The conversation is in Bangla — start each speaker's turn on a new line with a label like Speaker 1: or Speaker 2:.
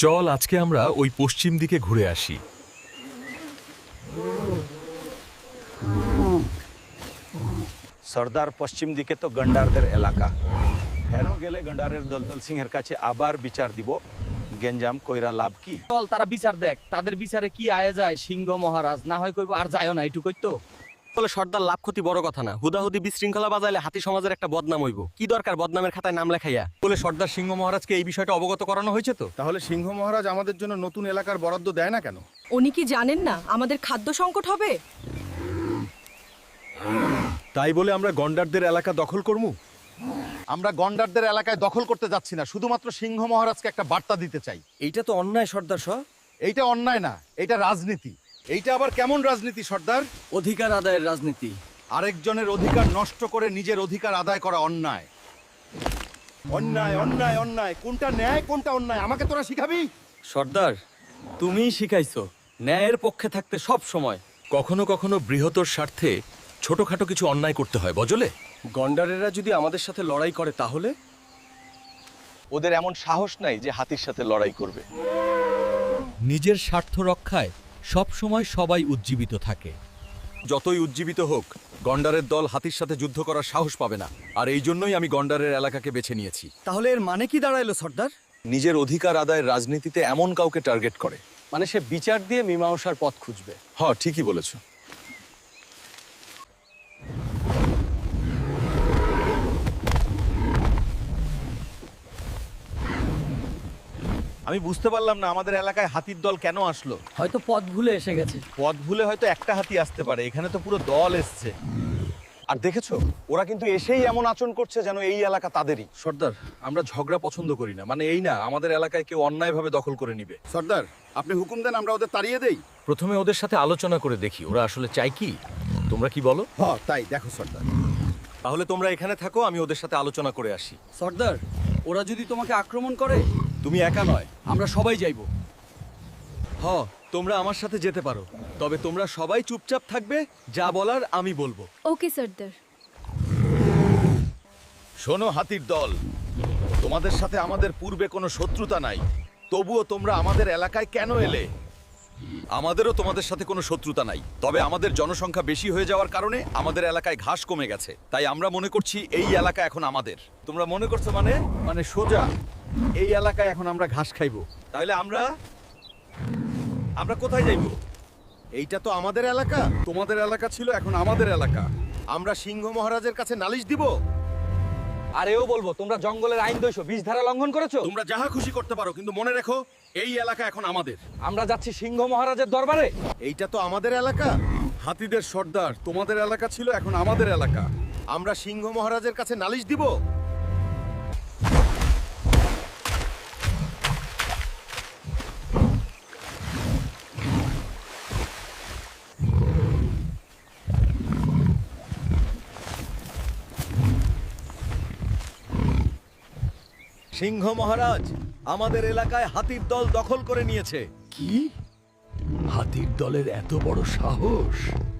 Speaker 1: চল আজকে আমরা ওই পশ্চিম দিকে ঘুরে আসি।
Speaker 2: সর্দার পশ্চিম দিকে তো গন্ডারদের এলাকা। হেনো গেলে গন্ডারের দলদল সিংহের কাছে আবার বিচার দিব। গেঞ্জাম কইরা লাভ কি?
Speaker 3: চল তারা বিচার দেখ, তাদের বিচারে কি আয়ে যায়। সিংহ মহারাজ না হয় কইব আর যায়ও না, এইটুকুই তো।
Speaker 4: বলে সর্দার লাভ ক্ষতি বড় কথা না, হুদাহুদি বিশৃঙ্খলা বাজাইলে হাতি সমাজের একটা বদনাম হইব। কি দরকার বদনামের খাতায় নাম লেখাইয়া?
Speaker 1: বলে সর্দার সিংহ মহারাজকে এই বিষয়টা অবগত করানো হয়েছে তো?
Speaker 5: তাহলে সিংহ মহারাজ আমাদের জন্য নতুন এলাকার বরাদ্দ দেয় না কেন?
Speaker 6: উনি কি জানেন না আমাদের খাদ্য সংকট হবে?
Speaker 1: তাই বলে আমরা গন্ডারদের এলাকা দখল করবো?
Speaker 5: আমরা গন্ডারদের এলাকায় দখল করতে যাচ্ছি না, শুধুমাত্র সিংহ মহারাজকে একটা বার্তা দিতে চাই।
Speaker 4: এইটা তো অন্যায় সর্দার সহ।
Speaker 5: এইটা অন্যায় না, এটা রাজনীতি। এইটা আবার কেমন রাজনীতি সর্দার?
Speaker 4: অধিকার আদায়ের রাজনীতি।
Speaker 5: আরেকজনের অধিকার নষ্ট করে নিজের অধিকার আদায় করা অন্যায়। অন্যায় অন্যায় অন্যায়, কোনটা ন্যায় কোনটা অন্যায় আমাকে তোরা শিখাবি?
Speaker 4: সর্দার তুমিই শিখাইছো ন্যায়ের পক্ষে থাকতে সব সময়।
Speaker 1: কখনো কখনো বৃহত্তর স্বার্থে ছোটখাটো কিছু অন্যায় করতে হয়, বজলে।
Speaker 4: গন্ডারেরা যদি আমাদের সাথে লড়াই করে তাহলে?
Speaker 2: ওদের এমন সাহস নাই যে হাতির সাথে লড়াই করবে।
Speaker 7: নিজের স্বার্থ রক্ষায় সব সময় সবাই উজ্জীবিত থাকে।
Speaker 1: যতই উজ্জীবিত হোক, গন্ডারের দল হাতির সাথে যুদ্ধ করার সাহস পাবে না। আর এই জন্যই আমি গন্ডারের এলাকাকে বেছে নিয়েছি।
Speaker 4: তাহলে এর মানে কি দাঁড়াইলো সর্দার?
Speaker 1: নিজের অধিকার আদায়ের রাজনীতিতে এমন কাউকে টার্গেট করে।
Speaker 4: মানে সে বিচার দিয়ে মীমাংসার পথ খুঁজবে।
Speaker 1: হ্যাঁ, ঠিকই বলেছ।
Speaker 5: আমি বুঝতে পারলাম না আমাদের এলাকায় হাতির দল কেন আসলো।
Speaker 3: হয়তো পথ ভুলে এসে গেছে।
Speaker 5: পথ ভুলে হয়তো একটা হাতি আসতে পারে, এখানে তো পুরো দল এসছে।
Speaker 2: আর দেখেছো, ওরা কিন্তু এসেই এমন আচরণ করছে যেন এই এলাকা তাদেরই।
Speaker 1: সর্দার, আমরা ঝগড়া পছন্দ করি না। মানে এই না আমাদের এলাকায় কেউ অন্যায়ভাবে দখল করে নিবে।
Speaker 5: সর্দার আপনি হুকুম দেন, আমরা ওদের তাড়িয়ে দেই।
Speaker 1: প্রথমে ওদের সাথে আলোচনা করে দেখি ওরা আসলে চাই কি। তোমরা কি বলো?
Speaker 5: হ্যাঁ তাই, দেখো সর্দার।
Speaker 1: তাহলে তোমরা এখানে থাকো, আমি ওদের সাথে আলোচনা করে আসি।
Speaker 4: সর্দার ওরা যদি তোমাকে আক্রমণ করে?
Speaker 1: তুমি একা নয়,
Speaker 4: আমরা সবাই যাইবো।
Speaker 1: তোমরা আমার সাথে যেতে পারো, তবে তোমরা সবাই চুপচাপ থাকবে। যা বলার আমি বলবো।
Speaker 6: ওকে সর্দার।
Speaker 5: শোনো হাতির দল, তোমাদের সাথে আমাদের পূর্বে কোনো শত্রুতা নাই, তবুও তোমরা আমাদের এলাকায় কেন এলে?
Speaker 1: আমাদেরও তোমাদের সাথে কোনো শত্রুতা নাই, তবে আমাদের জনসংখ্যা বেশি হয়ে যাওয়ার কারণে আমাদের এলাকায় ঘাস কমে গেছে। তাই আমরা মনে করছি এই এলাকা এখন আমাদের।
Speaker 5: তোমরা মনে করছো মানে? মানে সোজা এই এলাকায় এখন আমরা ঘাস খাইবো।
Speaker 1: তাহলে আমরা কোথায় যাইব?
Speaker 5: এইটা তো আমাদের এলাকা। তোমাদের এলাকা ছিল, এখন আমাদের এলাকা। আমরা সিংহ মহারাজের কাছে নালিশ দিব।
Speaker 3: আর এও বলবো তোমরা জঙ্গলের আইন দইছো, বিষ ধারা লঙ্ঘন করেছো।
Speaker 5: তোমরা যাহা খুশি করতে পারো, কিন্তু মনে রেখো এই এলাকা এখন আমাদের।
Speaker 3: আমরা যাচ্ছি সিংহ মহারাজের দরবারে।
Speaker 5: এইটা তো আমাদের এলাকা। হাতিদের সর্দার, তোমাদের এলাকা ছিল, এখন আমাদের এলাকা। আমরা সিংহ মহারাজের কাছে নালিশ দিব।
Speaker 1: সিংহ মহারাজ, আমাদের এলাকায় হাতির দল দখল করে নিয়েছে।
Speaker 7: কি? হাতির দলের এত বড় সাহস?